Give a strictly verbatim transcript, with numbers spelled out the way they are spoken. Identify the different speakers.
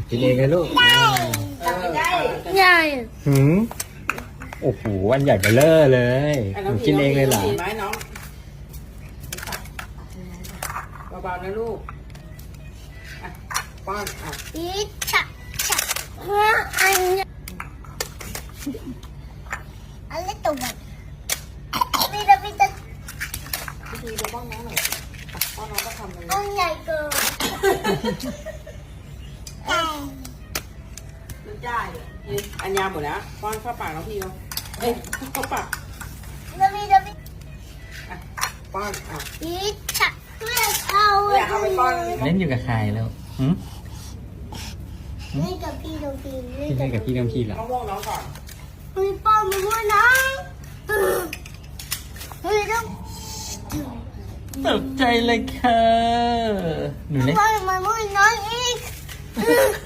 Speaker 1: กินเองเลยลูก
Speaker 2: ตักไม่ได้
Speaker 3: ใหญ่
Speaker 1: หืมโอ้โหอันใหญ่เบ้อเร่อเลยหนูกินเองเลยเหรอ
Speaker 2: ไหมน้องเบาๆนะลูกป้อนอ่ะ
Speaker 3: อีจักจักอันอันเล็กตัวแบบพี่จะพี่จะ
Speaker 2: พี่ดีดูป้อนน้องหน่อยป้อนน้องก็ทำเลย
Speaker 3: อันใหญ่เกิน
Speaker 2: มันได้อันยาหมดแล้วป้อนเข้าปากน้องพี่เขาเอ้ยเข้าปาก
Speaker 3: จะพี่จะพี่
Speaker 2: ป้อนอ่ะ
Speaker 3: อีจักไม่เอา
Speaker 2: อยากเอาไปป้อน
Speaker 1: เล่นอยู่กับใครแล้วหืม
Speaker 3: เล่นกับพี่น้องพี่
Speaker 1: พี่เล่นกับพี่น้ำพี่เหรอ
Speaker 2: มะม่วงน้องก่อน
Speaker 3: พี่ป้อนมาด้วยนะเฮ้ยต้อง
Speaker 1: ตกใจเลยค่ะหนูเล่น
Speaker 3: ป้อนมาด้วยน้องอีก